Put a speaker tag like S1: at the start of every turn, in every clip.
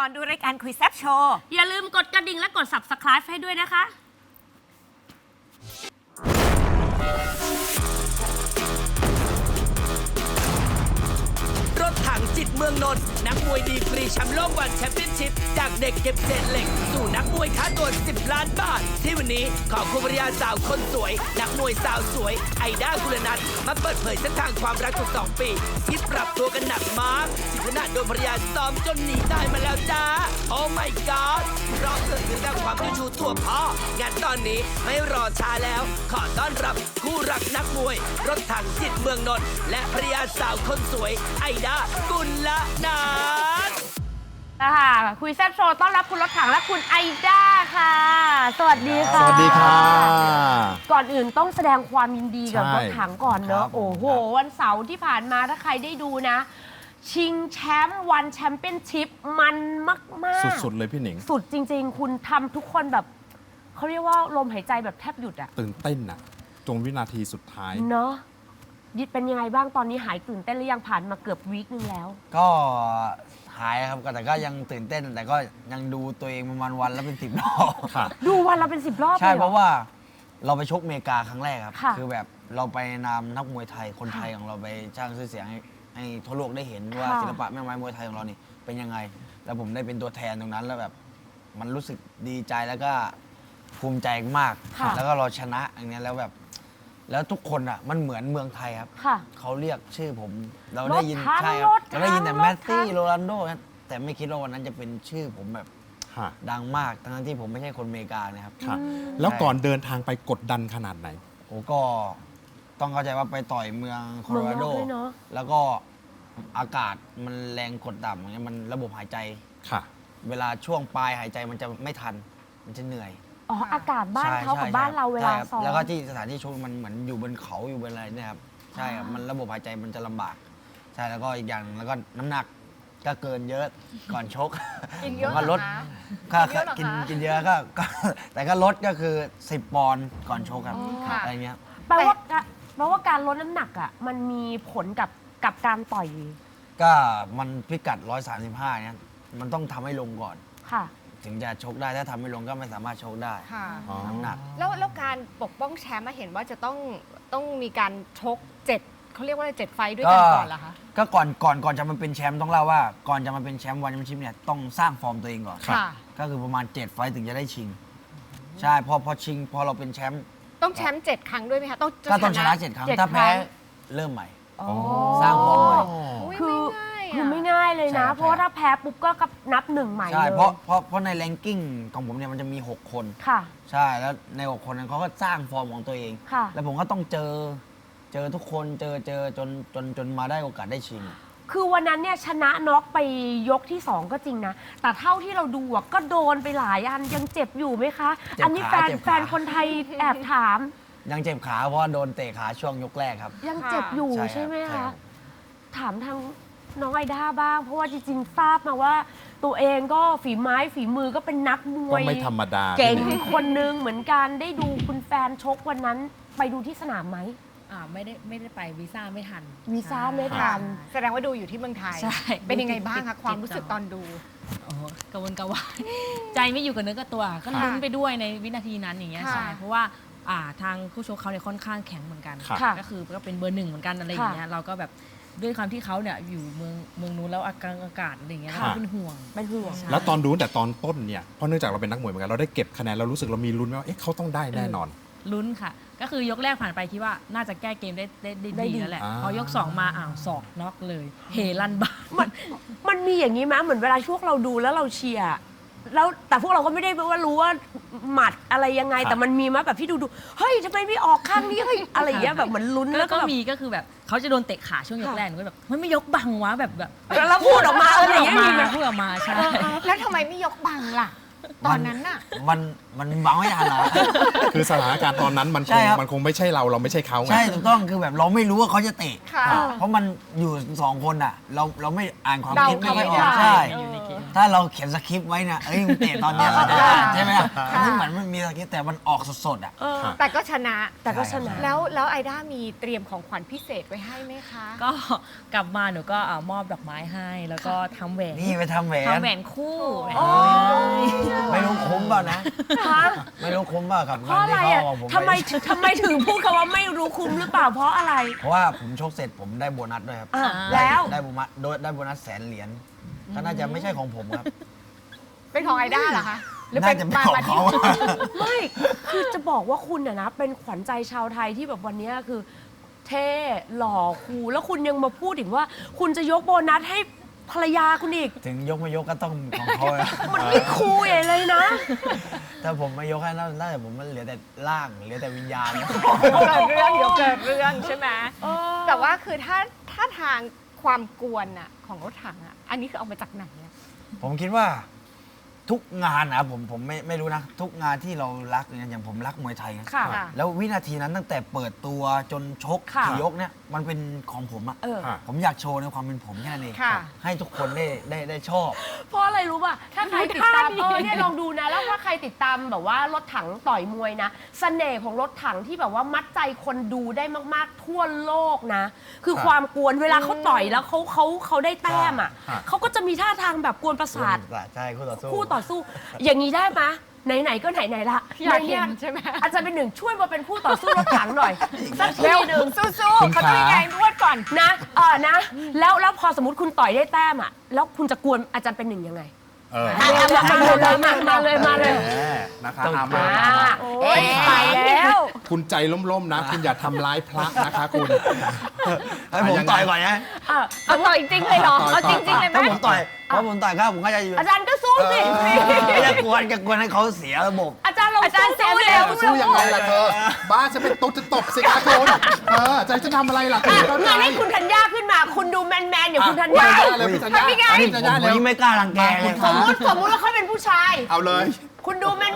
S1: ก่อนดูรายการคุยแซ่บโชว์
S2: อย่าลืมกดกระดิ่งและกด Subscribe ให้ด้วยนะคะ
S3: รถถังจิตเมืองนนท์นักมวยดีกรีแชมป์โลกวันแชมเปี้ยนชิพจากเด็กเก็บเศษเหล็กสู่นักมวยท้าตัว10 ล้านบาทที่วันนี้ขอคุณภรรยาสาวคนสวยนักมวยสาวสวยไอด้ากุลนัทมาเปิดเผยเส้นทางความรักกว่า2 ปีที่ปรับตัวกันหนักมากถึงขนาดโดนภรรยาซ้อมจนหนีตายมาแล้วจ้าโอ้ my god เพราะเกิดขึ้นจากความเจ้าชู้ตัวพ่องานตอนนี้ไม่รอช้าแล้วขอต้อนรับคู่รักนักมวยรถถังจิตเมืองนนท์และภรรยาสาวคนสวยไอด้ากุลนัท
S2: ค่ะคุยแซ่บโชว์ต้อนรับคุณรถถังและคุณไอด้าค่ะ สวัสดีค่ะ
S4: สวัสดีค่ะ
S2: ก่อนอื่นต้องแสดงความยินดีกับ
S4: ใช่
S2: รถถังก่อนเน
S4: ครั
S2: อะ
S4: บ
S2: โอ้โห วันเสาร์ที่ผ่านมาถ้าใครได้ดูนะ ชิงแชมป์วันแชมเปี้ยนชิพมันมากๆ
S4: สุดๆเลยพี่หนิง
S2: สุดจริงๆ คุณทำทุกคนแบบเขาเรียกว่าลมหายใจแบบแทบหยุดอะ
S4: ตื่นเต้นน่ะจงวินาทีสุดท้าย
S2: เนาะยิดเป็นยังไงบ้างตอนนี้หายตื่นเต้นหรือยังผ่านมาเกือบวีคนึงแล้ว
S5: ก็หายครับแต่ก็ยังตื่นเต้น แต่ก็ยังดูตัวเองประมาณวันละเป็น10 รอบ
S4: ค่ะ
S2: ดูวันละเป็น10 รอบ
S5: ใช่
S2: เลย
S5: เพ
S2: เหรอ
S5: ราะว่าเราไปชกอเมริกาครั้งแรกครับ
S2: ค่ะ
S5: คือแบบเราไปนำนักมวยไทยคนไทยของเราไปสร้างชื่อเสียงให้ทั่วโลกได้เห็นว่า
S2: ค่ะ
S5: ศิลปะแม่ไม้มวยไทยของเรานี่เป็นยังไง แล้วผมได้เป็นตัวแทนตรงนั้นแล้วแบบมันรู้สึกดีใจแล้วก็ภูมิใจมาก
S2: ค่ะ
S5: แล้วก็เราชนะอย่างเนี้ยแล้วแบบ แล้วทุกคนอ่ะมันเหมือนเมืองไทยครับ
S2: ค่ะ
S5: เขาเรียกชื่อผม เราได้ยิน
S2: รถถัง
S5: ใช่ครับ
S2: รถถัง
S5: เราได้ยินแต่
S2: รถถัง
S5: แมสซี่โรนัลโดนะแต่ไม่คิดว่าวันนั้นจะเป็นชื่อผมแบบ
S4: ค่ะ
S5: ดังมากทั้งที่ผมไม่ใช่คนอเมริกานะครับ
S4: ค่ะ แล้วก่อนเดินทางไปกดดันขนาดไหน
S5: โอ้ก็ต้องเข้าใจว่าไปต่อยเมืองโคโลราโด
S2: เมืองนอกด้วยเนอะ
S5: แล้วก็อากาศมันแรงกดต่ำอย่างเงี้ยมันระบบหายใจ
S4: ค่ะ
S5: เวลาช่วงปลายหายใจมันจะไม่ทัน มันจะเหนื่อย
S2: อ๋ออากาศบ้านเขากับ
S5: ใช่
S2: บ้านเราเวลา
S5: ใช่ครับ
S2: ซ้อม
S5: แล้วก็ที่สถานที่ชกมันเหมือนอยู่บนเขาอยู่บนอะไรเนี่ยครับใช่ครับมันระบบหายใจมันจะลำบาก ใช่แล้วก็อีกอย่างแล้วก็น้ำหนักก็เกินเยอะก่อนชก
S6: กินเยอะ
S5: ผมก็ลด
S6: เหรอคะ
S5: ค่ะ
S6: กินเยอะเหรอคะ
S5: กินเยอะก็แต่ก็ลดก็คือ10 ปอนด์ก่อนชกครับ
S6: ค่ะ
S5: อะไรเงี้ย
S2: แปลว่าการลดน้ำหนักอ่ะมันมีผลกับการต่อย
S5: ก็มันพิกัด 135เนี่ยมันต้องทำให้ลงก่อน
S2: ค่ะ
S5: ถึงจะชกได้ถ้าทำไม่ลงก็ไม่สามารถชกได้
S6: ค่ะ
S4: อ๋อ
S5: น้ำหนัก
S6: แล้วการปกป้องแชมป์มาเห็นว่าจะต้องมีการชก7เขาเรียกว่า7 ไฟต์ด้วยกันก่อนเหรอคะ
S5: ก็ก่อนจะมาเป็นแชมป์ต้องเล่าว่าก่อนจะมาเป็นแชมป์วันแชมเปี้ยนชิพเนี่ยต้องสร้างฟอร์มตัวเองก่อน
S6: ค่ะ
S5: ก็คือประมาณ 7 ไฟต์ถึงจะได้ชิง ใช่พอชิงพอเราเป็นแชมป์
S6: ต้องแชมป์7 ครั้งด้วยไหมคะต้อง
S5: ก็ต้องชนะ7 ครั้ง
S2: 7
S5: ถ้าแพ้
S2: ครั้ง
S5: เริ่มใหม่
S2: อ๋อ
S5: สร้างฟอร์มใหม่
S6: อุ๊ย
S2: คือ
S6: ไม่ง่ายอะ
S2: คือไม่ง่ายเลย
S5: ใช่
S2: นะ
S5: ครับ
S2: เพราะว่าถ้าแพ้ปุ๊บก็นับหนึ่งใหม่
S5: ใช่
S2: เลย
S5: เพราะในแรงกิ้งของผมเนี่ยมันจะมี 6 คน
S2: ค่ะ
S5: ใช่แล้วใน 6 คนนั้นเขาก็สร้างฟอร์มของตัวเอง
S2: ค่ะ
S5: แล้วผมก็ต้องเจอทุกคนเจอจนมาได้โอกาสได้ชิง
S2: คือวันนั้นเนี่ยชนะน็อกไปยกที่ 2 ก็จริงนะ แต่เท่าที่เราดูอะก็โดนไปหลายอันยังเจ็บอยู่ไหมคะ
S5: เจ็บขา
S2: อันนี้แฟน
S5: เจ็บขา
S2: แฟนคนไทยแอบถาม
S5: ยังเจ็บขาเพราะว่าโดนเตะขาช่วงยกแรกครับ
S2: ยังเจ็บอยู่
S5: ใช่
S2: ใช่ไหม
S5: ครับใช่ครั
S2: คะ
S5: บ
S2: ถามทางน้องไอด้าบ้าง เพราะว่าจริงๆทราบมาว่า ตัวเองก็ฝีไม้ฝีมือก็เป็นนักมว
S4: ก็
S2: ย
S4: ไม่ธรรมดา
S2: เก่ง
S4: พี่หนิง
S2: คนนึงเหมือนกันได้ดูคุณแฟนชกวันนั้นไปดูที่สนามไหม
S7: ไม่ได้ไปวีซ่าไม่ทัน
S2: วีซ่าไม่
S7: ใช่
S2: ทัน
S6: แสดงว่าดูอยู่ที่เมืองไทย
S7: ใช่
S6: เป็นยังไงบ้าง
S7: ติ
S6: คะ
S7: ด
S6: ความรู้สึกตอนดู
S7: โอ้โหกระวนกระวาย ใจไม่อยู่กับเนื้อกับตัว ก็
S6: ค่ะ
S7: ลุ้นไปด้วยในวินาทีนั้นอย่างเงี้ย
S6: ค่ะ
S7: ใช่เพราะว่าทางคู่ชกเขาเนี่ยค่อนข้างแข็งเหมือนกัน
S4: ค่ะ
S2: ค่ะ
S7: ก็คือก็เป็นเบอร์ 1เหมือนกันอะไรอย่างเงี้ยเราก็แบบด้วยความที่เขาเนี่ยอยู่เมืองนู้นแล้วอากาศอะไรอย่างเงี้ย
S4: ค่ะ
S7: เราก็เป็นห่วง
S2: เป็นห่วง
S4: แล้วตอนดูตั้งแต่ตอนต้นเนี่ยเพราะเนื่องจากเราเป็นนักมวยเหมือนกันเราได้เก็บคะแนนเรารู้สึกเรามีลุ้นว่าเอ๊ะเขาต้องได้แน่นอน
S7: ลุ้นค่ะ ก็คือยกแรกผ่านไปคิดว่าน่าจะแก้เกมได้
S2: ได้ดี
S7: ดีแล้วแหละ
S4: อ่า
S7: พอยก 2 มาศอกน็อกเลย เฮลั่นบ้าน
S2: มันมีอย่างนี้ไหมเหมือนเวลาช่วงเราดูแล้วเราเชียร์แล้วแต่พวกเราก็ไม่ได้ว่ารู้ว่าหมัดอะไรยังไง
S4: ครับ
S2: แต่มันมีไหมแบบที่ดูเฮ้ยทำไมไม่ออกข้างนี้เฮ้ยอะไรอย่างเงี้ยแบบเหมือนลุ้น
S7: แล้
S2: แล้ว ว
S7: ก็
S2: ก็แบบ
S7: มีก็คือแบบเขาจะโดนเตะขาช่วงยกแรกหนูก็แบบมันไม่ยกบังวะแบบ
S2: แล้วพูดออกมาอะไรอย่างเงี้ย
S7: พู
S2: มี
S7: ด
S2: ไหม
S7: พูดออกมาใช่
S6: แล้วทำไมไม่ยกบังล่ะตอนนั้นน่ะ
S5: มันบังไม่ทันเหรอ
S4: คือสถานการณ์ตอนนั้นมัน
S5: ใช่ครับ
S4: มันคงไม่ใช่เราไม่ใช่เขาไง
S5: ใช่ถูกต้องคือแบบเราไม่รู้ว่าเขาจะเตะ
S6: ค่ะ
S5: เพราะมันอยู่2 คนอ่ะ เราไม่อ่านความ
S6: เดา
S5: คิดไม่ค่อยอ
S6: เขา
S5: อก
S6: ไม่ได้
S5: ใช่
S7: อยู่ในเกม
S5: ถ้าเราเขียนสคริปต์ไว้นะเอ้ยมึงเตะตอนเนี้ยเราจะได้ใช่ไหมล่ะอันนี้เหมือนมันมีสคริปต์แต่มันออกสดๆอ่ะ
S6: แต่ก็ชนะ
S2: แต่ก็ชนะ
S6: แล้วไอด้ามีเตรียมของขวัญพิเศษไว้ให้ไหมคะ
S7: ก็กลับมาหนูก็มอบดอกไม้ให้ แล้วก็ทำแหวน
S5: นี่ไปทำแหวน
S7: ทำแหวนคู่
S6: โอ้
S5: ไม่รู้คุ้มเปล่านะ
S2: ฮะ
S5: ไม่รู้คุ้มเปล่ากับ
S2: เพ
S5: เงิน
S2: ราะอะไร
S5: ที่เขา
S2: อ่ะ
S5: เอาผม
S2: ทำไมถึงพูดคำว่าไม่รู้คุ้มหรือเปล่าเพราะอะไร
S5: เพราะว่าผมชกเสร็จผมได้โบนัสด้วยครับ
S2: อ่ะแล้ว
S5: ได้โบนัสได้โบนัส100,000 เหรียญก็น่าจะไม่ใช่ของผมครับ
S6: เป็นของไอด้าเหรอคะหรือ
S5: น่าจะเป็นของ
S6: มาที่
S5: เขา
S2: ไม่คือจะบอกว่าคุณอะนะเป็นขวัญใจชาวไทยที่แบบวันเนี้ยคือ เท่หล่อคูลแล้วคุณยังมาพูดอีกว่า คุณจะยกโบนัสให้ภรรยาคุณอีก
S5: ถึงยกไม่ยกก็ต้องของเขาอะ
S2: มันไม่คูลใหญ่เลยนะ
S5: ถ้าผมไม่ยกให้น่าจะผมมันเหลือแต่ร่างเหลือแต่วิญญาณ
S6: เกิดเรื่องเดี๋ยวเกิดเรื่องใช่ไหมแต่ว่าคือถ้าทางความกวนอะของรถถังอะอันนี้คือเอามาจากไหนอะ
S5: ผมคิดว่าทุกงานนะผมไม่รู้นะ ทุกงานที่เรารักอย่างผมรักมวยไทยนะ
S2: ค่ะ
S5: แล้ววินาทีนั้นตั้งแต่เปิดตัวจนชก
S2: ค่ะ
S5: กี่ยกเนี่ยมันเป็นของผมอะ
S2: เออ
S4: ค่ะ
S5: ผมอยากโชว์ในความเป็นผมแค่นั้นเอง
S6: ค่ะ
S5: ให้ทุกคนได้ชอบ
S2: เพราะอะไรรู้ป่ะ ถ้าใครติดตามเนี่ยลองดูนะ แล้วถ้าใครติดตามแบบว่ารถถังต่อยมวยนะ เสน่ห์ของรถถังที่แบบว่ามัดใจคนดูได้มากๆทั่วโลกนะ คือ
S4: ครับ
S2: ความกวนเวลาเขาต่อยแล้วเขาได้แต้มอ่ะ
S4: ครับ
S2: เขาก็จะมีท่าทางแบบกวนประสาท
S5: ใช่คู่ต่อสู้
S2: คู่ต่อสู้ อย่างนี้ได้ไหมไหนๆก็ไหนๆละ
S6: อยากเห็นใช่ไหม
S2: อาจารย์เป็นหนึ่งช่วยมาเป็นคู่ต่อสู้รถถังหน่อยสักที
S6: เร็ว
S2: หนึ่ง
S6: สู้
S4: คุณ
S6: ๆเขาต้อง
S4: ขา
S6: ยังไงนวดก่อน
S2: นะนะแล้วพอสมมติคุณต่อยได้แต้มอ่ะแล้วคุณจะกวนอาจารย์เป็นหนึ่งยังไง
S4: เออ
S2: มาเลย
S4: แหมนะคะ
S5: ต้อง
S4: เอามา
S2: โอ้ยไปแล้ว
S4: คุณใจล่มๆนะ คุณอย่าทำร้ายพระนะคะคุณ
S5: ให้ผมต่อยก่อนนะ
S6: เอาต่อยจริงเลยเหรอ
S4: ต่อย
S6: เอาจริงๆเลยไหม
S5: ถ้าผมต่อยเพราะผมต่อยครับผมก็จะอยู่
S2: อาจารย์ก็สู้สิ
S5: จะกวนให้เขาเสียระบบ
S2: อาจารย์ลองสู้เร็ว
S4: สู้ยังไงล่ะเธอ บ้าจะเป็นตุ๊ดจะตบสิคะคุณใจจะทำอะไรล่ะคุณเข้าใจ
S2: งั้นให้คุณธัญญาขึ้นมา คุณดูแมนๆอย่างคุณธัญญา
S4: เลยพี่ธัญญา
S2: ทำยังไง
S4: พี่ธัญญา
S5: ผม
S4: เร็ว
S5: ยิ่งไม่กล้ารังแกเลย
S2: สมมุติว่าเขาเป็นผู้ชาย
S4: เอาเลย
S2: คุณดูแมน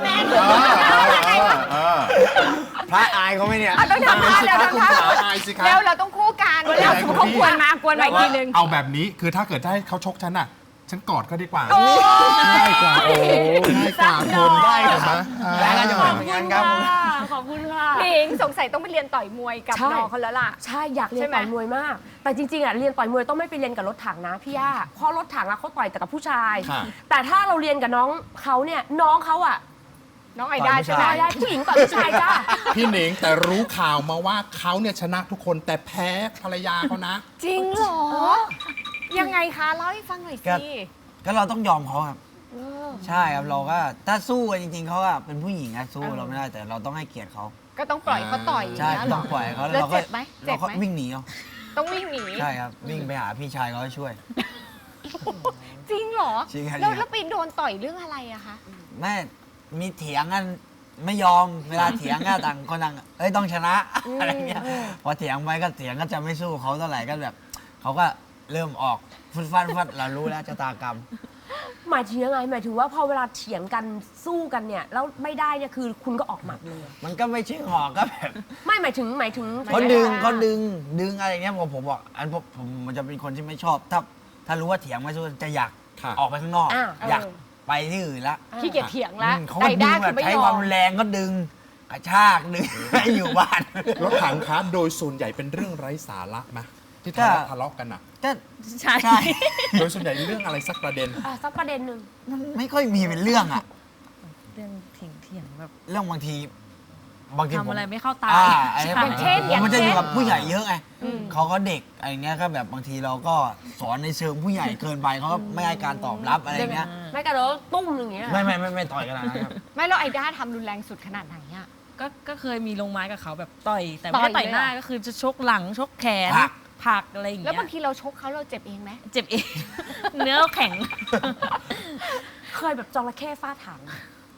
S5: พระอายเขาไหมเนี่ย
S6: ต้องทำท่าเร็ว
S4: คุณ
S6: ทำท่า
S4: ขาอายสิคะ
S6: เร็วเราต้องคู่กันเร็วสมมติเขากวนมากวนมาอีกทีนึง
S4: เอาแบบนี้คือถ้าเกิดให้เขาชกฉันน่ะ ฉันกอดเขาดีกว่าง่ายกว่าโอ้ง่ายกว่าคนได้เหรอมะ
S5: ได้ก็จะเหมือน
S2: ๆ
S5: กันครับผม
S2: ขอบคุณค่ะ
S6: หนิงสงสัยต้องไปเรียนต่อยมวยกับ
S2: ใช่
S6: น้องเขาแล้วล่ะ
S2: ใช่อยากเรีย
S6: ใช่
S2: น
S6: ไหม
S2: ต่อยมวยมาก แต่จริงๆอ่ะเรียนต่อยมวยต้องไม่ไปเรียนกับรถถังนะพี่ย่าเพราะรถถังอ่ะเขาต่อยแต่กับผู้ชาย
S4: ค่ะ
S2: แต่ถ้าเราเรียนกับน้องเขาเนี่ยน้องเขาอ่ะ
S6: น้องไอด้าใช่ไหม
S2: ได้ผู้หญิงต่อยผู้ชายจ้า
S4: พี่หนิงแต่รู้ข่าวมาว่าเขาเนี่ยชนะทุกคนแต่แพ้ภรรยาเขานะ
S6: จริงเหรอ ยังไงคะเล่าให้ฟังหน่อย
S5: ครั
S6: สิ
S5: บ ก็เราต้องยอมเขาครับใช่ครับเราก็ถ้าสู้กันจริงๆเขาอะเป็นผู้หญิงอะสู้เราไม่ได้แต่เราต้องให้เกียรติเขา
S6: ก็ต้องปล่อยเขาต่อย
S5: ใช่
S6: ย่างเงี้ยเหร
S5: ต้องปล่อยเขา
S6: แล้ว
S5: เราก็
S6: เจ็บไหมเจ็
S5: เรา
S6: บ
S5: ก็
S6: ไหม
S5: วิ่งหนีเอา
S6: ต้องวิ่งหนี
S5: ใช่ครับวิ่งไปหาพี่ชายเขาให้ช่วย
S6: จริงเหรอ
S5: จริงครับ
S6: แล้วปีนโดนต่อยเรื่องอะไรอะคะ
S5: แม่มีเถียงกันไม่ยอมเวลาเถียงก็ต่างคนต่างเอ้ยต้องชนะอะไรเงี้ยพอเถียงไปก็เถียงก็จะไม่สู้เขาเท่าไหร่ก็แบบเขาก็เริ่มออกฟุดฟัดเรารู้แล้วชะตากรรม
S2: หมายถึงยังไงหมายถึงว่าพอเวลาเถียงกันสู้กันเนี่ยแล้วไม่ได้เนี่ยคือคุณก็ออกหมัดเลย
S5: มันก็ไม่ใช่หอกก็แบบ
S2: ไม่หมายถึง
S5: เขาดึงอะไรเงี้ยผมบอกอันผมมันจะเป็นคนที่ไม่ชอบ ถ้ารู้ว่าเถียงไม่สู้จะอยาก
S4: ค่ะ
S5: ออกไปข้างนอก
S2: อ่า
S5: อยากไปที่อื่นละ
S6: ขี้เกียจเถียงแล้ว
S5: เขา
S6: ไอ
S5: ก็ดึ
S6: ด้าง
S5: แบ
S6: คือบ ไม่
S5: ใช้
S6: ย
S5: ค
S6: อ
S5: วาม
S6: ม
S5: แรงก็ดึงกระชากดึง ให้อยู่บ้าน
S4: รถถังคะโดยส่วนใหญ่เป็นเรื่องไร้สาระไหมที่
S5: ก็
S4: ทะเลาะกันอ่ะ
S5: ก็
S7: ใช่
S5: ใช่
S4: โดยส่วนใหญ่เรื่องอะไรสักประเด็น
S2: สักประเด็นหนึ่ง
S5: มันไม่ค่อยมีเป็นเรื่องอะ
S7: เรื่องเถียงแบบ
S5: เรื่องบางทีผม
S7: ทำอะไรไม่เข้าตา
S5: ไอ้
S7: ใช่
S5: มันมันจะอยู่กับผู้ใหญ่เยอะไง
S6: อืม
S5: เขาก็เด็กอะไรเงี้ยก็แบบบางทีเราก็สอนในเชิงผู้ใหญ่เกินไปเขาก็ไม่ให้การตอบรับอะไรเงี้ย
S2: ไม่กระโดดตุ้มอย่างเงี้ย
S5: ไม่ต่อยกันนะครับ
S6: ไม่แล้วไอด้าทำรุนแรงสุดขนาดไหนอะ
S7: ก็เคยมีลงไม้กับเขาแบบต่อย แต่ไม่ได้
S6: ต่
S7: ต่
S6: อ
S7: อย ย
S6: เลย
S7: หน้า
S6: เหรอ
S7: ก็คือจะชกหลังชกแขน
S5: ผลัก
S7: ผลักอะไรอย่าง
S6: แล้ว
S7: เงี้
S6: บาง
S7: ย
S6: ทีเราชกเขาเราเจ็บเองไหม
S7: เจ็บเอง เนื้อแข็ง
S2: เคยแบบจระเข้ฟาดถัง
S7: เค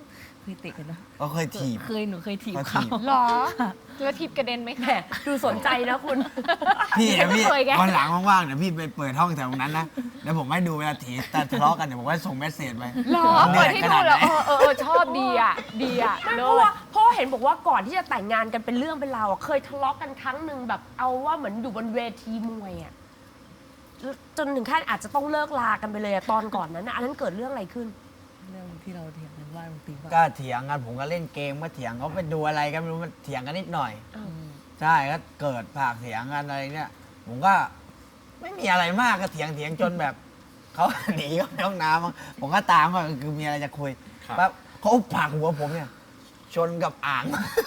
S7: เคยเตะกันนะ
S5: ก็เคยถีบ
S7: หนูเคยถีบ
S5: เขา
S7: เขา
S5: ถีบ
S6: หรอแล้วทิปกระเด็นไหม
S2: แหม
S6: คะ
S2: ดูสนใจนะคุณ
S5: พี่เดี๋ยวพี่
S6: ไม่เคยไง
S5: วันหลังว่างๆเดี๋ยวพี่ไปเปิดห้องแถวนั้นนะแล้วผมให้ดูเวลาถีบแต่ทะเลาะกันเดี๋ยวผมให้ส่งเมสเซจไป
S6: หรอเปิดให้ดูแล้วชอบดีอ่ะ
S2: ไม่เพ
S6: เลิ
S2: ราะว่า
S6: ศ
S2: พ่อเห็นบอกว่าก่อนที่จะแต่งงานกันเป็นเรื่องเป็นราวอะเคยทะเลาะกันครั้งหนึ่งแบบเอาว่าเหมือนอยู่บนเวทีมวยอะจนถึงขั้นอาจจะต้องเลิกลากันไปเลยอะตอนก่อนนั้นอะอันนั้นเกิดเรื่องอะไรขึ้น
S7: เรื่องที่เราเถียงกันว่ามันตีว่า
S5: ก็เถียงกันผมก็เล่นเกมก็เถียงเขาไปดูอะไรกันไม่รู้มันเถียงกันนิดหน่อย
S2: อืม
S5: ใช่ก็เกิดปากเถียงกันอะไรเนี่ยผมก็ไม่มีอะไรมากก็เถียงจนแบบเขา หนีเข้าไปห้องน้ำมั้งผมก็ตามก็คือมีอะไรจะคุย
S4: ครับ
S5: ปั๊บเขาผลักหัวผมเนี่ย ชนกับอ่าง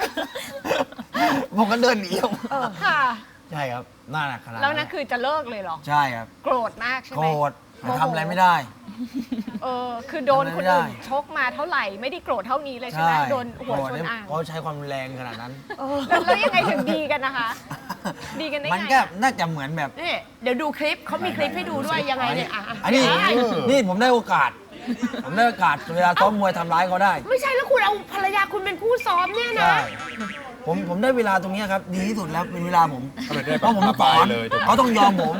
S5: ผมก็เดินหนีออกมา
S6: ค่ะ
S5: ใช่ครับน่าหนักขนาด
S6: แล้วนั่นคือจะเลิกเลยเหรอ
S5: ใช่ครับ
S6: โกรธมากใช่ไห
S5: โก
S6: ม
S5: รธแต่ทำอะไรไม่ได้
S6: คือโดนคนอื่น
S5: ทำอะไรไม่ได้
S6: ชกมาเท่าไหร่ไม่ได้โกรธเท่านี้เลยใช่ไหมโดนหัวชนอ่าง
S5: เขาใช้ความรุนแรงขนาดนั้น
S6: แล้วยังไงถึงดีกันนะคะ ดีกันได้
S5: มัน
S6: ไง
S5: ก็
S6: อะ
S5: น่าจะเหมือนแบบ
S2: นี่เดี๋ยวดูคลิปเขามีคลิปให้ดูด้วยยังไงเนี่ยอ่ะ
S5: อันนี้
S2: ได้
S5: นี่ผมได้โอกาส ผมได้โอกาสเวลาซ้อมมวยทำร้ายเขาได้
S2: ไม่ใช่แล้วคุณเอาภรรยาคุณเป็นผู้ซ้อมเนี่ยนะ
S5: ใช่ผมได้เวลาตรงเนี้ยครับ ดีที่สุดแล้วเป็นเวลาผม
S4: ก็เลยได้
S5: เพราะผมสอน
S4: เลยถูกไหม
S5: เขาต้องยอมผม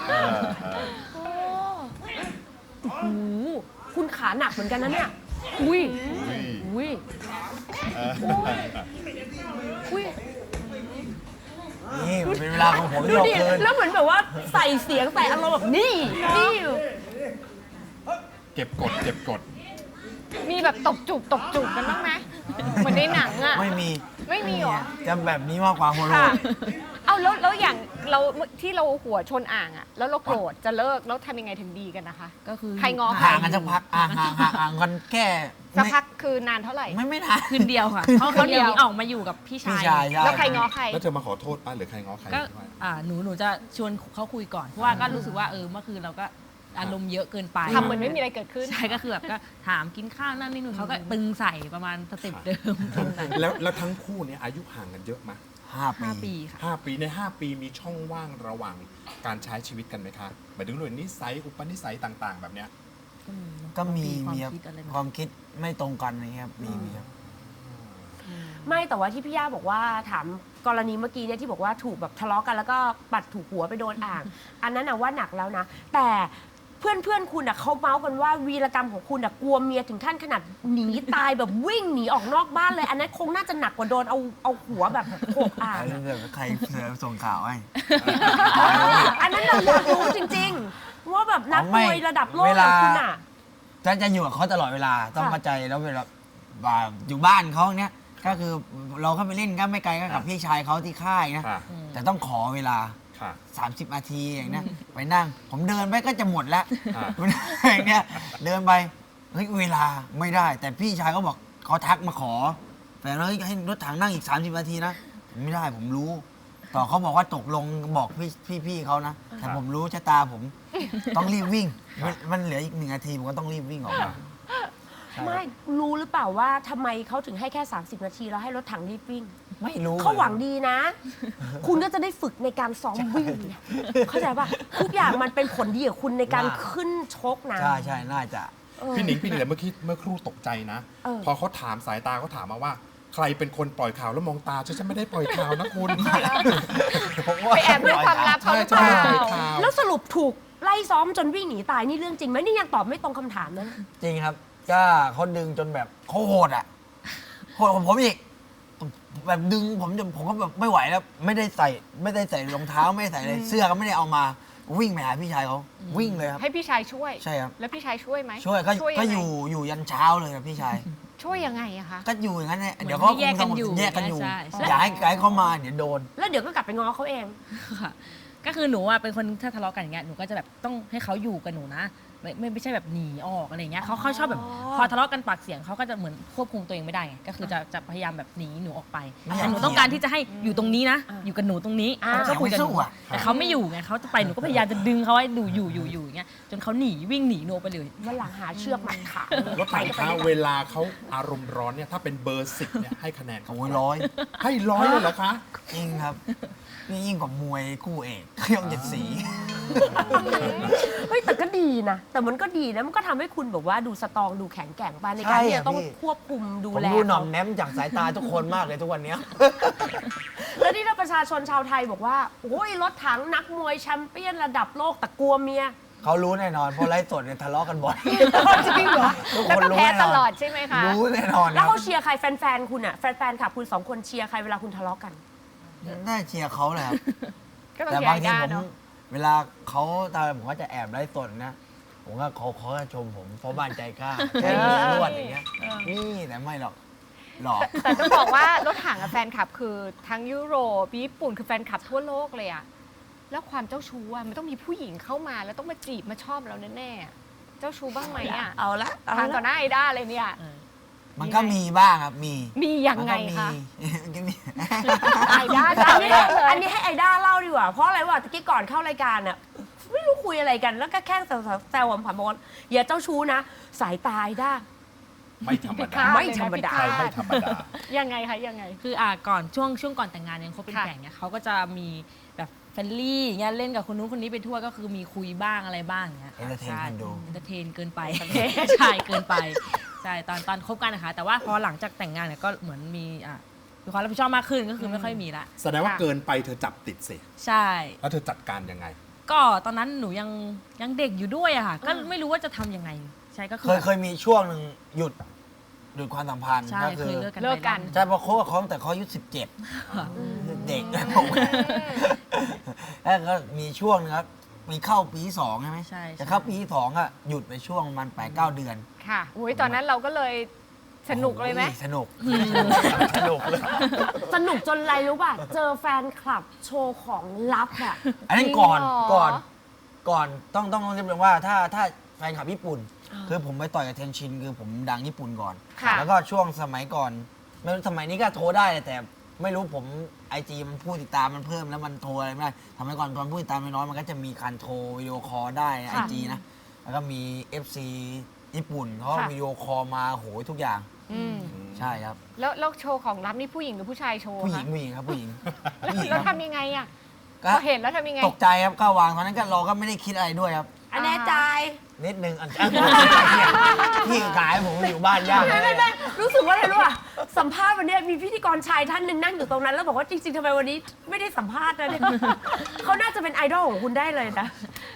S2: โอ้โหคุณขาหนักเหมือนกันนะเนี่ย อุ้ย อุ้ย อุ้ย
S5: นี่มันเป็นเวลาของผม
S2: ดู
S5: ที่เรา
S2: ดิ
S5: เกิน
S2: แล้วเหมือนแบบว่าใส่เสียงใส่อารมณ์แบบนี่ นี่
S4: เก็บกด
S6: มีแบบตบจูบกันบ้างไหมเหมือนในหนังอ่ะ
S5: ไม่มี
S6: ไม่มีเหรอ
S5: จะแบบนี้มากกว่าโฮโล
S6: ค่ะ เอาแล้วอย่างเราที่เราหัวชนอ่างอ่ะ แล้วเราโกรธจะเลิกแล้วทำยังไงถึงดีกันนะคะ
S7: ก็คือ
S6: ใครง้อ
S5: ห่างกันสักพักห่างกันแค่
S6: สักพักคือนานเท่าไหร่
S5: ไม่นาน
S7: คืนเดียวค่ะเขาคนเดียวออกมาอยู่กับพี่
S5: พี่
S7: ชาย
S5: ชายใช่
S6: แล้วใครง้อใคร
S4: แล้วเธอมาขอโทษป้าหรือใครง้อใคร
S7: ก็
S4: ด้วย
S7: หนูจะชวนเขาคุยก่อนเพราะว่าก็รู้สึกว่าเมื่อคืนเราก็อารมณ์เยอะเกินไป
S6: ทำเหมือนไม่มีอะไรเกิดขึ้น
S7: ใช่ก็คือแบบก็ถามกินข้าวนั่นนี่นู่นเขาก็ตึงใส่ประมาณสเต็ปเดิมตึงใส่
S4: แล้วทั้งคู่เนี่ยอายุห่างกันเยอะไหม
S5: 5
S7: 5
S5: ปี
S7: ปีค่ะ
S4: 5 ปีใน 5 ปีมีช่องว่างระหว่างการใช้ชีวิตกันไหมคะหมายถึงเรื่องนิสัยอุปนิสัยต่างๆ แบบเนี้ย
S5: ก็มี
S7: ความ
S5: ครับ
S7: คิดอะไรแบบ
S5: ความคิดไม่ตรงกันอะไรเงี้ยครับมีครับ
S2: ไม่แต่ว่าที่พี่ย่าบอกว่าถามกรณีเมื่อกี้เนี่ยที่บอกว่าถูกแบบทะเลาะกันแล้วก็ปัดถูกหัวไปโดนอ่าง อันนั้นนะว่าหนักแล้วนะ แต่เพื่อนคุณอ่ะเขาเมาส์กันว่าวีรกรรมของคุณอ่ะกลัวเมียถึงขั้นขนาดหนีตายแบบวิ่งหนีออกนอกบ้านเลย อันนั้นคงน่าจะหนักกว่าโดนเอาหัวแบบโขกอ่าง
S5: แล้วเดี๋ยวใครเสือส่งข่าวให้
S2: อันนั้นเราอยากรู้จริงๆ ว่าแบบนักมวยระดับโลก
S5: เว
S2: อ
S5: ลา
S2: ย่างคุณอ่ะ
S5: จะอยู่กับเขาตลอดเวลาต้อง
S2: ค่ะ
S5: เข้าใจแล้วเวลาอยู่บ้านเขาเนี้ยก็คือเราเข้าไปเล่นก็ไม่ไกลก็กับพี่ชายเขาที่ค่ายนะ
S4: ค่ะ
S5: แต่ต้องขอเวลา
S4: ค่ะ
S5: 30 นาทีอย่างเนี้ยไปนั่ง ผมเดินไปก็จะหมดแล้ว
S4: อ่า
S5: อย่างเนี้ยเดินไปเฮ้ยเวลาไม่ได้ แต่พี่ชายเขาบอกเขาทักมาขอแต่เราให้รถถังนั่งอีก 30 นาทีนะผมไม่ได้ผมรู้ ต่อเขาบอกว่าตกลงบอกพี่เขานะ แต่ผมรู้ชะตาผมต้องรีบวิ่ง มันเหลืออีก1 นาทีผมก็ต้องรีบวิ่งออกมา
S2: ไม่รู้หรือเปล่าว่าทำไมเขาถึงให้แค่ 30 นาทีแล้วให้รถถังรีบวิ่ง
S5: ไม่รู้
S2: เขาหวังดีนะ คุณก็จะได้ฝึกในการซ้อมวิ่งเนี่ยเข้าใจป่ะ ทุกอย่างมันเป็นผลดีกับคุณในการขึ้นชกนะ
S5: ใช่น่าจะ
S4: พี่หนิงเมื่อกี้เมื่อครู่ตกใจนะ
S2: เออ
S4: พอเขาถามสายตาเขาถามมาว่า ใครเป็นคนปล่อยข่าวแล้วมองตาฉันไม่ได้ปล่อยข่าวนะคุณ
S6: ไปแอบด้วยความลับเขาหรือเปล่า
S4: ใช่ใช่ใช่
S2: แล้วสรุปถูกไล่ซ้อมจนวิ่งหนีตายนี่เรื่องจริงไหมนี่ยังตอบไม่ตรงคำถามนะ
S5: จริงครับ ก็เขาดึงจนแบบเขาโหดอ่ะโหดกว่าผมอีกแบบดึงผมก็แบบไม่ไหวแล้ว ไม่ได้ใส่รองเท้าไม่ได้ใส่อะไรเสื้อก็ไม่ได้เอามาวิ่งไปหาพี่ชายเขาวิ่งเลยครับ
S6: ให้พี่ชายช่วย
S5: ใช่ครับ
S6: แล้วพี่ชายช่วยไหม
S5: ช่วยก็
S6: ยังไง
S5: อยู่ยันเช้าเลยครับพี่ชาย
S6: ช่วยยังไงอะคะ
S5: ก็อยู่อย่างนั้นแหละ
S7: เหมือน
S5: เดี๋ยวเขา
S7: ให้แยกกันอยู่
S5: แยกกันอยู่
S7: ใช่ใช่
S5: อย่าให้ไกด์เข้ามาเดี๋ยวโดน
S2: แล้วเดี๋ยวก็กลับไปง้อเขาเอง
S7: ค่ะก็คือหนูอ่ะเป็นคนถ้าทะเลาะกันอย่างเงี้ยหนูก็จะแบบต้องให้เขาอยู่กับหนูนะไม่ใช่แบบหนีออกอะไรเงี้ยเขาชอบแบบพอทะเลาะกันปากเสียงเขาก็จะเหมือนควบคุมตัวเองไม่ได้ไงก็คือจะพยายามแบบหนีหนูออกไป
S5: ไม่อยาก
S7: แต่หนูต้องการที่จะให้อยู่ตรงนี้นะ อยู่กับหนูตรงนี้
S2: อ่า
S7: แล้วก็คุยกับหนู
S5: ยังไม่สู้อะ
S7: แต่เขาไม่อยู่ไงเขาจะไปหนูก็พยายามจะดึงเขาให้ดูอยู่อย่างเงี้ยจนเขาหนีวิ่งหนีหนูไปเลย
S2: วันหลังหาเชือกมัดขา
S4: รถถังคะเวลาเขาอารมณ์ร้อนเนี่ยถ้าเป็นเบอร์10เนี่ยให้คะแนนเขา
S5: โอ้ยร้อย
S4: ให้100เลยเหรอคะ
S5: จริงครับนี่ยิ่งกว่ามวยคู่เอกเครื่องเจ็ดสี
S2: เฮ้ยแต่ก็ดีนะ แต่มันก็ดีนะ มันก็ทำให้คุณแบบว่าดูสตรองดูแข็งแกร่งไปในการที่จะต้องควบคุมดู
S5: ผม
S2: แล
S5: ดูหน่อม
S2: เขา
S5: แนมจากสายตาทุกคนมากเลยทุกวันเนี้ย
S2: แล้วนี่ถ้าประชาชนชาวไทยบอกว่าโอ้ยรถถังนักมวยแชมเปี้ยนระดับโลกแต่กลัวเมีย
S5: เขารู้แน่นอนเพราะไลฟ์สดเนี่ยทะเลาะกันบ่อย
S2: จริงเหรอ
S5: ทุก
S6: แล้ว
S5: คน
S6: ก็
S5: รู้
S6: แพ้
S5: แน่น
S6: ต
S5: อน
S6: ลอดใช่ไหมคะ
S5: รู้แน่นอนค
S2: แล้
S5: รั
S2: ว
S5: บ
S2: เขาเชียร์ใครแฟนๆคุณอ่ะแฟนๆขับคุณสองคนเชียร์ใครเวลาคุณทะเลาะกัน
S5: น่าเชียร์เขาแหละครับ
S6: ก็ต้อง
S5: แต่
S6: เชีย
S5: บาง
S6: ร์
S5: ที
S6: ได้
S5: ผม
S6: เนาะ
S5: เวลาเขาตามผมก็จะแอบไลฟ์สดนะ ผมก็เขาจะชมผมเพราะบ้านใจกล้าใช้มือนวดอย่างเงี้ยนี่แต่ไม่หรอกหลอก
S6: แต่ต้องบอกว่ารถถังกับแฟนคลับคือทั้งยุโรปญี่ปุ่นคือแฟนคลับทั่วโลกเลยอะแล้วความเจ้าชู้อะมันต้องมีผู้หญิงเข้ามาแล้วต้องมาจีบมาชอบเราแน่ๆอะเจ้าชู้บ้างไหมอะ
S2: เอาละเอา
S6: ทางต่อ
S2: ละ
S6: หน้าไอด้าเลยเนี่ย
S5: มันก็มีบ้างครับมี
S6: มียังไงคะ
S5: มันก็มี
S6: ไอด้า
S2: อันนี้
S6: จำได้เลย
S2: อันนี้ให้ไอด้าเล่าดีกว่า เพราะอะไรวะตะกี้ก่อนเข้ารายการอ่ะไม่รู้คุยอะไรกัน แล้วก็แค่แซวๆผ่านๆบอกว่าอย่าเจ้าชู้นะ สายตาไอด้า
S4: ไม่ธรรม
S6: พิ
S4: ดา
S6: ฆาต
S2: ไม่ธรรมดา
S6: เลยนะ
S4: ไม่
S6: พิ
S4: ธรรมดา
S6: ยังไงคะยังไง
S7: คือก่อนช่วงก่อนแต่งงานยังคบเป็น
S6: ค่ะ
S7: แฟนเนี่ยเขาก็จะมีแบบเฟรนลี่อย่างเงี้ยเล่นกับคนนู้นคนนี้ไปทั่วก็คือมีคุยบ้างอะไรบ้างอย่างเงี้ย
S5: Entertain
S7: ใช่
S5: คนดู
S7: เอนเตอร์เทนเกินไป ใช่เกินไปใช่ตอนคบกันนะคะ แต่ว่าพอหลังจากแต่งงานเนี่ยก็เหมือนมีความรับผิดชอบมากขึ้นก็คือไม่ค่อยมีละ
S4: แสดงว่าเกินไปเธอจับติดสิ
S7: ใช่
S4: แล้วเธอจัดการยังไง
S7: ก็ตอนนั้นหนูยังเด็กอยู่ด้วยอะค่ะก็ไม่รู้ว่าจะทำยังไงใช่ก็คือ
S5: เคยมีช่วงหนึ่งหยุดความสัมพันธ์
S7: ใช่
S5: ก็
S7: เค
S5: คื
S7: ย
S5: อ
S7: เลิกกัน
S6: เลิกกัน
S7: ไป
S5: ใช่เพราะคบกับเขาตั้งแต่เขาอายุ17 เด็กผมแล้วก็มีช่วงนึงครับมีเข้าปีที่2ใช่ไหม
S7: ใช่
S5: จะเข้าปีที่2อะหยุดไปช่วงมัน8-9 เดือน
S6: ค่ะอุ้ยตอนนั้นเราก็เลยสนุกเลยไหม
S5: โอ้สนุกสนุกเลย
S2: สนุกจนอะไรรู้ป่ะ เจอแฟนคลับโชว์ของลับอ่ะ
S5: อันนั้น
S6: จริง
S5: ก่อน
S6: เหรอ
S5: ก่อนต้องเรียกว่าถ้าแฟนคลับญี่ปุ่น คือผมไปต่อยกับเทนชินคือผมดังญี่ปุ่นก่อน
S6: ค่ะ
S5: แล้วก็ช่วงสมัยก่อนไม่รู้สมัยนี้ก็โทรได้แต่ไม่รู้ผมไอจีมันผู้ติดตามมันเพิ่มแล้วมันโทรอะไรไม่ได้สมัยก่อนตอนผู้ติดตามน้อยๆมันก็จะมีการโทรวิดีโอคอลได้ไอจีนะแล้วก็มี FC ญี่ปุ่นเขาก็วิดีโอคอลมาโหยทุกอย่าง
S6: อืม
S5: ใช่ครับ
S6: แล้วโชว์ของลับนี่ผู้หญิงหรือผู้ชายโชว์
S5: ผู้หญิ
S6: คะ
S5: งผู้หญิงครับผู้หญิงผู้หญิง
S6: แล้ว
S5: ครับ
S6: ทำยังไงอ่ะ
S5: ก็
S6: พอเห็นแล้วทำยังไง
S5: ตกใจครับก็วางตอนนั้นก็เราก็ไม่ได้คิดอะไรด้วยครับ
S2: อันแน่ใจ
S5: นิดนึงอันพี่ขายผมอยู่บ้านยาก
S2: ไม่รู้สึกว่าอะไรรู้ป่ะสัมภาษณ์วันเนี้ยมีพิธีกรชายท่านหนึ่งนั่งอยู่ตรงนั้น แล้วบอกว่าจริงๆทำไมวันนี้ไม่ได้สัมภาษณ์นะเนี่ยเขาน่าจะเป็นไอดอลของคุณได้เลยนะ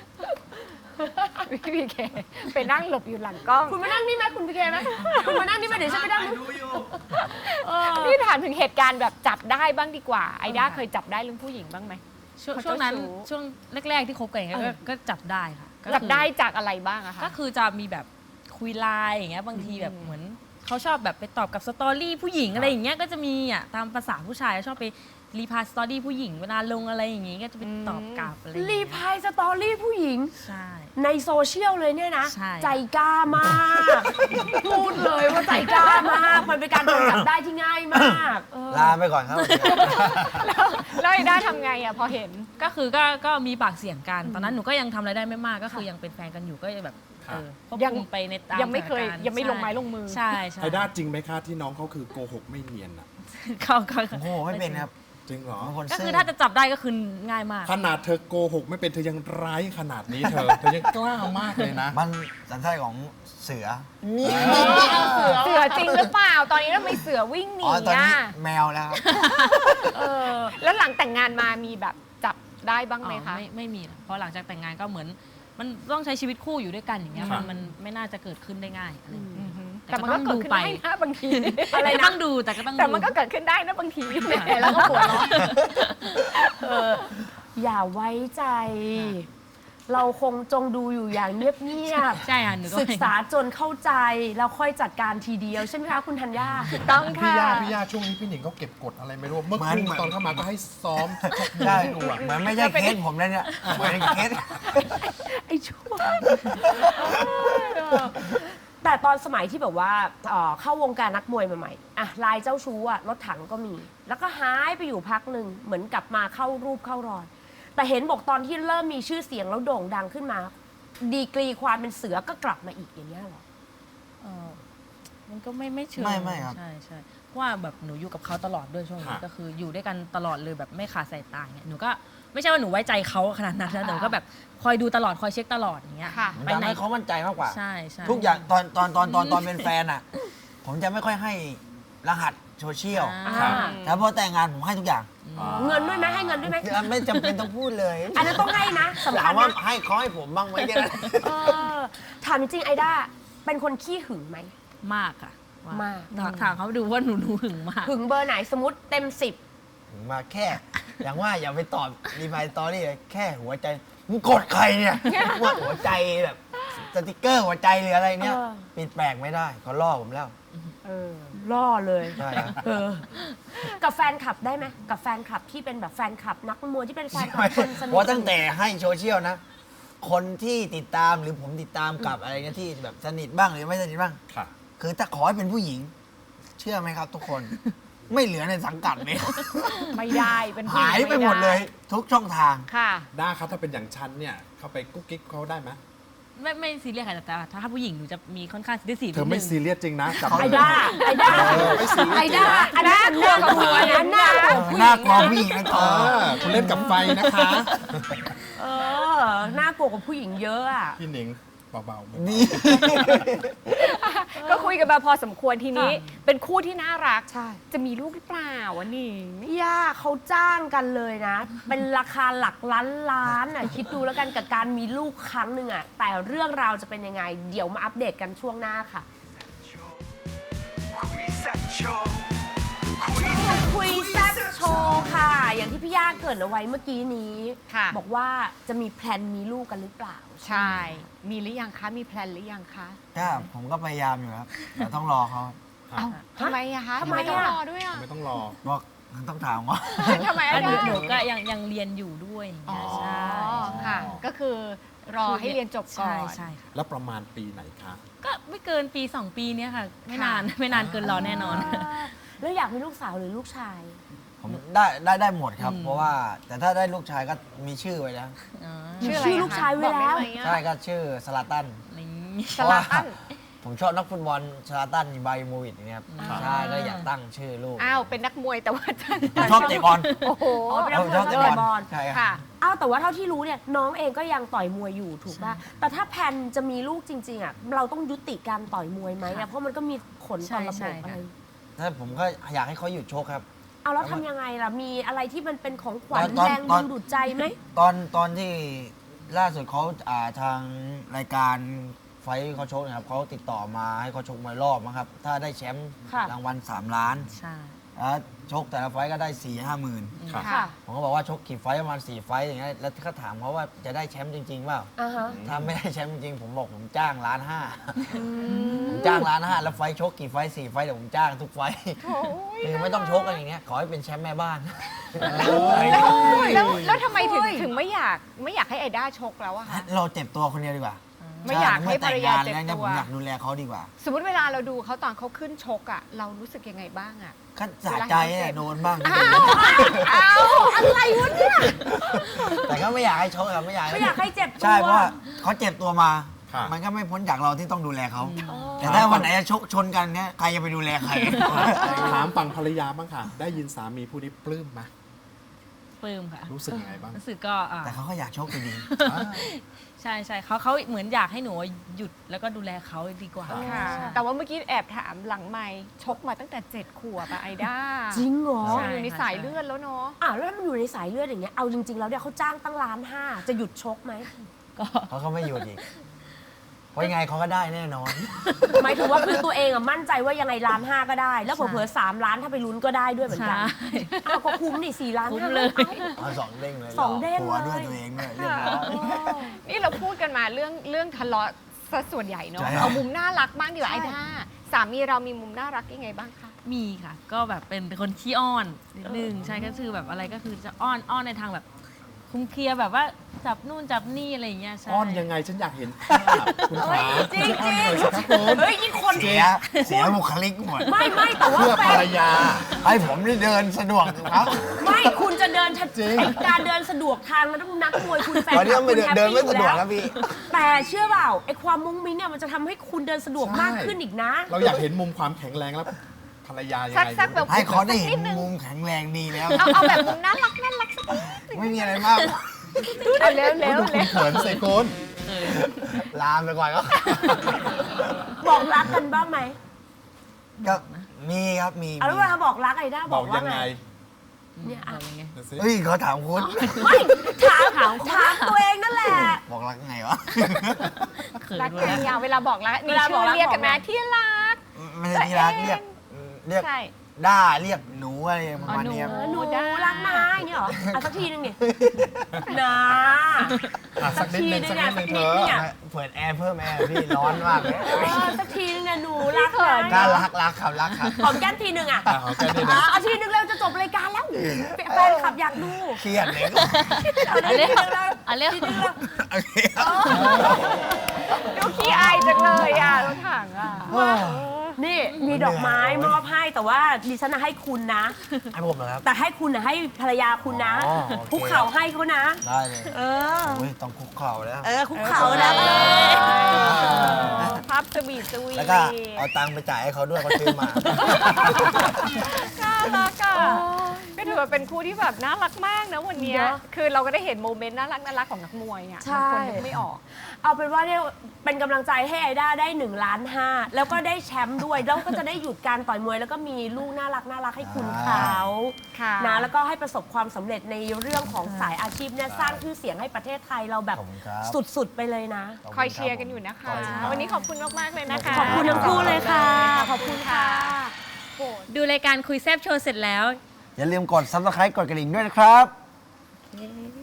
S6: พี่พีเคไปนั่งหลบอยู่หลังกล้อง
S2: คุณมานั่งนี่ไหมคุณพีเคไหมคุณมานั่งนี่ไหมเดี๋ยวฉันไปนั่งเออ
S6: พี่ถามถึงเหตุการณ์แบบจับได้บ้างดีกว่า ไอด้าเคยจับได้เรื่องผู้หญิงบ้างไหม
S7: ช่วง
S6: เขา
S7: ช่วงนั้น
S6: เจ้าชู้
S7: ช่วงแรก ๆที่คบกันอย่างเงี้ยก็จับได้ค่ะก็คือ
S6: จับได้จากอะไรบ้างอะคะ
S7: ก็คือจะมีแบบคุยไลน์อย่างเงี้ยบางทีแบบเหมือนเขาชอบแบบไปตอบกับสตอรี่ผู้หญิงอะไรอย่างเงี้ยก็จะมีตามภาษาผู้ชายชอบไปรีพลายสตอรี่ผู้หญิงเวลาลงอะไรอย่างงี้ก็จะไปตอบกลับอะไรอย่าง
S2: รี
S7: เงี้ย
S2: พายสตอรี่ผู้หญิง
S7: ใช่
S2: ในโซเชียลเลยเนี่ยนะ
S7: ใช่
S2: ใจกล้ามาก พูดเลยว่าใจกล้ามาก มันเป็นการโดนจับได้ที่ง่ายมากเออ
S5: ลาไปก่อนครับ
S6: แล้วไอด้าทำไงอะพอเห็น
S7: ก็คือก็มีปากเสียงกันตอนนั้นหนูก็ยังทำอะไรได้ไม่มากก็คือยังเป็นแฟนกันอยู่ก็จะแบบควบ
S6: ยัง
S7: คุมไปในตาม
S6: ยังไม่เคย
S7: สถานการณ์
S6: ยังไม่ลงไม้ลงมือ
S7: ใช่ใช่
S4: ไอด้าจริงไหมคะที่น้องเขาคือโกหกไม่เนียนอ่ะ
S7: เขา
S5: โอ้โหไม่เป็นครับ
S4: จริงเหรอ
S5: บางคน
S7: ก็
S5: ซื่
S7: คือถ้าจะจับได้ก็คือง่ายมาก
S4: ขนาดเธอโกหกไม่เป็นเธอยังร้ายขนาดนี้เธอยังกล้ามากเลยนะ
S5: มันสัญชาติของเสือ
S6: เสือจริงหรือเปล่า ตอนนี้ทำไมเสือวิ่งหนี
S5: อ๋อตอน
S6: อะ
S5: นี้แมวแล้วครับ
S6: แล้วหลังแต่งงานมามีแบบจับได้บ้างไหมคะ
S7: ไม่มีนะเพราะหลังจากแต่งงานก็เหมือน มันต้องใช้ชีวิตคู่อยู่ด้วยกันอย่างเงี้ย
S4: ครับ
S7: มันไม่น่าจะเกิดขึ้นได้ง่ายอะไรอย่างเงี้ย
S6: แต่มันก็เกิดขึ้นได้นะบางที
S7: อะไรต้องดูแต่ก็ต้องดู
S6: แต่มันก็เกิดขึ้นได้นะบางทีแหมแล้วก็หัวเราะ
S2: อย่าไว้ใจ เราคงจงดูอยู่อย่างเงียบ
S7: ใช่ค่ะหนูก็
S2: ๆศึกษาจนเข้าใจ แล้วค่อยจัดการทีเดียวใช่ไหมคะคุณธัญญา
S6: ต้อง
S4: พี่
S6: ค่ะ
S4: ย่าช่วงนี้พี่หนิงเขาเก็บกดอะไรไม่รู้ เมื่อ
S5: เหมือน
S4: คืนตอนเข้ามาก็ให้ซ้อมชกมวย
S5: ใช่
S4: ให้ดูอะ
S5: เหมือนไม่ใช่เคสผมแล้วเนี่ยเหมือนเคส
S2: ไอ้ชั่ว แต่ตอนสมัยที่แบบว่าเข้าวงการนักมวยใหม่ๆอะลายเจ้าชู้อะรถถังก็มี แล้วก็หายไปอยู่พักหนึ่งเหมือนกลับมาเข้ารูปเข้ารอย แต่เห็นบอกตอนที่เริ่มมีชื่อเสียงแล้วโด่งดังขึ้นมา ดีกรีความเป็นเสือก็กลับมาอีกอย่างเงี้ยเหรอ
S7: มันก็ไม่เชิง
S5: ไม่ครับ
S7: ใช่ใช่เพราะว่าแบบหนูอยู่กับเขาตลอดด้วยช่วงนี้ก็คืออยู่ด้วยกันตลอดเลยแบบไม่ขาดสายตาเนี่ยหนูก็ไม่ใช่ว่าหนูไว้ใจเขาขนาดนั้นนะหนูก็แบบคอยดูตลอดคอยเช็คตลอดอย่างเงี้ย
S6: ค่ะ
S5: มัน
S7: ไป
S5: ทำ
S7: ไหน
S5: ให้เขามั่นใจมากกว่า
S7: ใช่ใช่
S5: ทุกอย่างตอนเป็นแฟนอ่ะ ผมจะไม่ค่อยให้รหัสโซเชียล
S2: อ่า
S5: แต่พอแต่งงานผมให้ทุกอย่าง
S2: เงินด้วยไหมให้เงินด้วยไหม
S5: ไม่จำเป็นต้องพูดเลย
S2: อันนั้นต้องให้นะสำ
S5: ถา
S2: คั
S5: ม
S2: ญ
S5: ว่า
S2: นะ
S5: ให้เขาให้ผมบ้างไหมเนี่ย
S2: ถามจริงๆไอด้าเป็นคนขี้หึงไหม
S7: มากค่ะ
S2: มาก
S7: ถามเขาดูว่าหนูหึงมาก
S2: หึงเบอร์ไหนสมมติเต็ม
S5: มาแค่ อย่างว่าอย่าไปตอบรีพายตอรี่เลยแค่หัวใจมึงกดใครเนี่ยว่าหัวใจแบบสติกเกอร์หัวใจหรืออะไรเนี่ยปิดแปลกไม่ได้เขาล่อผมแล้ว
S2: 10ล่อเลย
S5: ใช่ครับ
S2: กับแฟนคลับได้ไหมกับแฟนคลับที่เป็นแบบแฟนคลับนักมวยที่เป็นแฟนคลับ
S5: ไม่
S2: คนสนิท
S5: เพราะตั้งแต่ให้โซเชียลนะ คนที่ติดตามหรือผมติดตามกับอะไรเงี้ยที่แบบสนิทบ้างหรือไม่สนิทบ้าง
S4: ค่ะ
S5: คือถ้าขอให้เป็นผู้หญิง เชื่อไหมครับทุกคน ไม่เหลือในสังกัดเลย
S6: ไม่ได้เป็นผู้
S5: หายไปหมดเลย ทุกช่องทาง
S6: ค่ะ
S4: ด้าครับถ้าเป็นอย่างฉันเนี่ย เข้าไปกุ๊กกิ๊กเขาได้ไหม
S7: ไม่ซีเรียสค่ะแต่ถ้าผู้หญิงหนูจะมีค่อนข้างซีเรียส
S4: เธอไม่ซีเรียสจริงนะจับ
S2: ไอด้าไอด้า
S4: ไม่ซีเรียส
S2: ไอด้าอันนั้นน่ากลัวนะน่ากลัวผู้หญิง
S5: น่ากลัวผู้หญิงนะ
S4: เออคุณเล่นกับไฟนะคะ
S2: เออน่ากลัวกว่าผู้หญิงเยอะอ่ะ
S4: พี่หนิงเบาๆ
S5: นี่
S6: ก็คุยกันมาพอสมควรทีนี้
S2: ค่ะ
S6: เป็นคู่ที่น่ารัก
S2: ใช่
S6: จะมีลูกหรือเปล่าวะนี่
S2: พี่ย่าเขาจ้างกันเลยนะ เป็นราคาหลักล้านอ่ะคิดดูแล้วกันกับการมีลูกครั้งหนึ่งอ่ะแต่เรื่องราวจะเป็นยังไง เดี๋ยวมาอัปเดตกันช่วงหน้าค่ะ คุยแซ่บโชว์ค่ะ อย่างที่พี่ย่าเกริดเอาไว้เมื่อกี้นี้
S6: ค่ะ
S2: บอกว่าจะมีแพลนมีลูกกันหรือเปล่า
S6: ใช่ มีหรือยังคะ มีแพลนหรือยังคะ
S5: ก็ผมก็พยายามอยู่ครับแต่ต้องรอเขา
S6: เอ้าทำไมอะคะ
S2: ทำไม
S6: ต้อง
S2: อะ
S6: รอด้วยอะ
S4: ไม่ต้องรอ
S5: บอกต้องถามว่า
S6: ทำไม
S7: แล้
S6: อะ
S7: วหนู
S6: ได้
S7: ก็ยังเรียนอยู่ด้วยอย่าง
S6: อ๋อ
S7: เงี้ยใช่
S6: ค่ะ ก็คือรอให้เรียนจบก่อน
S7: ใช่ค่ะ
S4: แล้วประมาณปีไหนคะ
S7: ก็ไม่เกินปี 2 ปีเนี้ยค่ะ ไม่นานเกินรอแน่นอน
S2: แล้วอยากมีลูกสาวหรือลูกชาย
S5: ผมได้หมดครับ เพราะว่าแต่ถ้าได้ลูกชายก็มีชื่อไว้แล้ว
S6: ชื่ออะไร
S2: ชื่อ
S6: อะ
S2: ลูกชายไว้แล้ว
S6: บอกด้ไหมอะ
S5: ใช่ก็ชื่อสลาตัน
S7: นี่
S6: สลาตัน
S5: ผมชอบนักฟุตบอลสลาตันไบโมวิดเนี่ยครับใช่ก็อยากตั้งชื่อลูก
S6: อ้าว เป็นนักมวยแต่ว่าท่าน
S5: ผมชอบเตะบอล
S6: โอ้โห
S2: อ๋อเป็นนักมวย
S5: ชอบเตะบอลใช่ค
S6: ค่ะ
S5: รับ
S2: อ้าวแต่ว่าเท่าที่รู้เนี่ยน้องเองก็ยังต่อยมวยอยู่ถูกป่ะ แต่ถ้าแพลนจะมีลูกจริงๆอ่ะเราต้องยุติการต่อยมวยไหมอะเพราะมันก็มีผลต่อระบบอะไร
S5: ถ้าผมก็อยากให้เขาหยุดชกครับ
S2: เอาแล้วทำยังไงล่ะ มีอะไรที่มันเป็นของขวัญ
S5: ตอน
S2: แรง
S5: ต
S2: ดึ
S5: อน
S2: งดูดใจไหม
S5: ตอนที่ล่าสุดเขาทางรายการไฟท์เขาชกนะครับเขาติดต่อมาให้เขาชกมวยรอบนะครับ ถ้าได้แชมป์
S2: ค่ะ
S5: รางวัล3 ล้าน
S7: ใช่
S5: แล้วชกแต่ละไฟท์ก็ได้ 4-5 หมื่น
S4: ค่ะ
S2: ค่ะ
S5: ผมก็บอกว่าชกกี่ไฟท์ประมาณ4 ไฟท์อย่างเงี้ยแล้วเขาถามเขาว่าจะได้แชมป์จริงๆเปล่า
S2: อ่าฮะ
S5: ถ้าไม่ได้แชมป์จริงๆผมบอกผมจ้าง1.5 ล้านผมจ้าง1.5 ล้านแล้วไฟท์ชกกี่ไฟท์4 ไฟท์เดี๋ยวผมจ้างทุกไฟท์คือไม่ต้องชกกันอย่างเงี้ยขอให้เป็นแชมป์แม่บ้าน
S6: แล้วทำไมถึงไม่อยากให้ไอด้าชกแล้วอะคะ
S5: เราเจ็บตัวคนเดียวดีกว่า
S6: ไม่อยากให้ภรรยาเจ็บ
S5: ใช่
S6: ตัว
S5: ผมอยากดูแลเขาดีกว่า
S6: สมมติเวลาเราดูเขาตอนเขาขึ้นชกอะเรารู้สึกยังไงบ้างอะ
S5: ก็สะใจเนี่ยโดนบ้าง
S2: อะไรวะเนี่ย
S5: แต่ก็ไม่อยากให้ชกครับไม่อยาก
S2: ไม่อยากให้เจ็บตัว
S5: ใช่เพราะว่าเขาเจ็บตัวมา
S4: ค่ะ
S5: มันก็ไม่พ้นจากเราที่ต้องดูแลเขา แต่ถ้าวันไหนจะชกชนกันเนี่ยใครจะไปดูแลใคร
S4: ถามฝั่งภรรยาบ้างค่ะ ได้ยินสามีผู้นี้ปลื้มไหม
S7: ปลื้มค่ะ
S4: รู้สึกยังไงบ้าง
S7: รู้สึกก็
S5: แต่เขาก็อยากชกอยู่ดี
S7: ใช่เขาเหมือนอยากให้หนูหยุดแล้วก็ดูแลเขาดีกว่า
S6: ค่ะ แต่ว่าเมื่อกี้แอบถามหลังไมค์ชกมาตั้งแต่ 7 ขวบอะไอด้า
S2: จริงเหรอ
S7: ใช่
S6: อยู่ในสายเลือดแล้วเนาะ
S2: แล้วถ้ามันอยู่ในสายเลือดอย่างเงี้ย เอาจริงๆแล้วเนี่ยเขาจ้างตั้ง1.5 ล้านจะหยุดชกไหม
S7: ก็
S5: เขาก็ไม่หยุดอีกเพราะยังไงเขาก็ได้แน่นอน
S2: หมายถึงว่าคือตัวเองอะมั่นใจว่ายังไง1.5 ล้านก็ได้ แล้วเผลอๆ3 ล้านถ้าไปลุ้นก็ได้ด้วยเหมือน
S7: ใช่
S2: กันอ้าวก็คุ้มดิ4 ล้าน
S7: คุ้ม
S2: 5
S7: เลย
S5: เอาสองเด้งเลย
S2: สองเด้ง
S5: หัวด้วย
S2: เลย
S5: ตัวเองด้วยเรียบร้อย
S6: นี่เราพูดกันมาเรื่องทะเลาะซะส่วนใหญ่เนาะ
S5: ใช่
S6: เอามุมน่ารักบ้างดีกว่าไอด้าสามีเรามีมุมน่ารักยังไงบ้างคะ
S7: มีค่ะ ก็แบบเป็นคนขี้อ้อนนิดนึงใช่ก็คือแบบอะไรก็คือจะอ้อนในทางแบบคุ้มเคลียร์แบบว่าจับนู่นจับนี่อะไรอย่างเงี้ยใช่
S4: อ้อนยังไงฉันอยากเห็นภาพคุณขา
S2: จริง
S4: อ้อนหน่อยสิครับคุณ
S2: เฮ้ยยิ่งคน
S5: เสียบุคลิกหมด
S2: ไม่แต่ว่า
S4: เพื่อ
S2: แฟ
S4: ภร
S2: น
S4: รยา
S5: ให้ผมได้เดินสะดวกครับ
S2: ไม่คุณจะเดินชัด
S4: จริง
S2: ไอ้การเดินสะดวกทางมันต้องนักมวยคุณแฟน
S5: ตอนนี้
S2: คลับ
S5: ไม่
S2: คุณแฮป
S5: เดิน
S2: ปี้
S5: ไม่
S2: อยู่
S5: สะดวก
S2: แล้ว
S5: ครับพี่
S2: แต่เชื่อเปล่าไอ้ความมุ้งมิ้งเนี่ยมันจะทำให้คุณเดินสะดวกมากขึ้นอีกนะ
S4: เราอยากเห็นมุมความแข็งแรงแล้วภรรยายัง
S6: สัก
S4: ไง
S6: สักแบบ
S5: ให้เขาได้เห็
S6: นิ
S5: น
S6: ดนึง
S5: มุมแข็งแรงดีแล้ว
S6: เอาแบบมุมน่ารักสักนิด
S5: ไม่มีอะไรมาก
S6: เอาเร็วเร็ว
S4: ดู
S6: เร็ว
S4: เขินใส่คุณ
S5: ลามไปก่อนก็
S2: บอกรักกันบ้างไหม
S5: ก็มีครับมี
S2: เอาแล้วเวลาบอกรักไอ้ด้า
S4: บบ อ
S2: อก กว่า
S4: ยัง
S2: ไง
S4: ไง
S2: เนี่ยอ่ะ
S4: ดูสิ
S5: เฮ้ยเขาถามคุณ
S2: ไม่ถามตัวเองนั่นแหละ
S5: บอกรักไงวะ
S7: เขิน
S6: รัก
S7: เล
S6: กัน
S7: ย
S6: ยาวเวลาบอกรักมี
S2: เวลาบ
S6: ชื่
S2: อก
S6: อ
S2: รัก
S6: เรียกกัน
S2: บอก
S6: นะ
S2: ไง
S6: ที่รัก
S5: ไม่ใช่ที่รักเรียก
S6: ใช่
S5: ด้าเรียกหนูอะไรประมาณเนี้ย
S6: อ๋อ
S2: หนู
S6: ได้
S2: รักนะอย่างเงี้ยเหรออ่ะสักทีนึงดินะ
S4: อ่ะสักนิดนึงสักนิดนึงเธอ
S2: เนี่ย
S5: เปิดแอร์เพิ่มแอร์พี่ร้อนมากเลย
S2: สักทีนึงเนี่ยหนูรัก
S5: น่า
S2: นะ
S5: รักครับรักครับ
S2: หอมแก้มทีนึงอ่ะ
S4: อ่ะขอแค่นี้นะ
S2: เอาทีนึงเร็วจะจบรายการแล้วแฟนคลับอยากดู
S5: เครียดเลย
S2: เอาเลยทีนึงเร็ว
S7: เอาเร็ว
S2: ทีนึงเร็ว
S5: โอเคครับ
S6: ดูขี้อายจังเลยอ่ะรถถังอ่ะ
S2: นี่มีดอกไม้มอบให้แต่ว่าดิฉันน่ะให้คุณนะ
S5: ให้ผมเหรอครับ
S2: แต่ให้คุณน่ะให้ภรรยาคุณนะ
S5: อ๋อโอเค
S2: คุกเข่าให้เขานะ
S5: ได้เลย
S2: เออ
S5: โอ้ยต้องคุกเข่าแล้ว
S2: คุกเข่านะ
S6: ภาพสวีทสวีท
S5: แล้วก็เอาตังค์ไปจ่ายให้เขาด้วยเขาซื้อมา
S6: น่ารักอ่ะก็ถือว่าเป็นคู่ที่แบบน่ารักมากนะวันเนี้ย
S2: เนอะ
S6: คือเราก็ได้เห็นโมเมนต์น่ารักของนักมวยอ่ะ
S2: ใช่
S6: บางคนนึกไม่ออก
S2: เอาเป็นว่าเนี่ยเป็นกำลังใจให้ไอด้าได้1.5 ล้านแล้วก็ได้แชมป์ด้วย แล้วก็จะได้หยุดการต่อยมวย แล้วก็มีลูกน่ารักให้คุณเขา
S6: ค่ะ
S2: นะแล้วก็ให้ประสบความสำเร็จในเรื่องของสายอาชีพเนี่ยสร้างชื่อเสียงให้ประเทศไทยเราแบบ
S5: ขอบคุณครับ
S2: สุดๆไปเลยนะ
S6: คอยเชียร์กันอยู่นะคะ วันนี้ขอบคุณมากๆเลยนะคะ
S2: ขอบคุณทั้งคู่เลยค่ะ ขอบคุณค่ะ
S7: ดูรายการคุยแซบโชว์เสร็จแล้ว
S5: อย่าลืมกด subscribe กดกระดิ่งด้วยนะครับ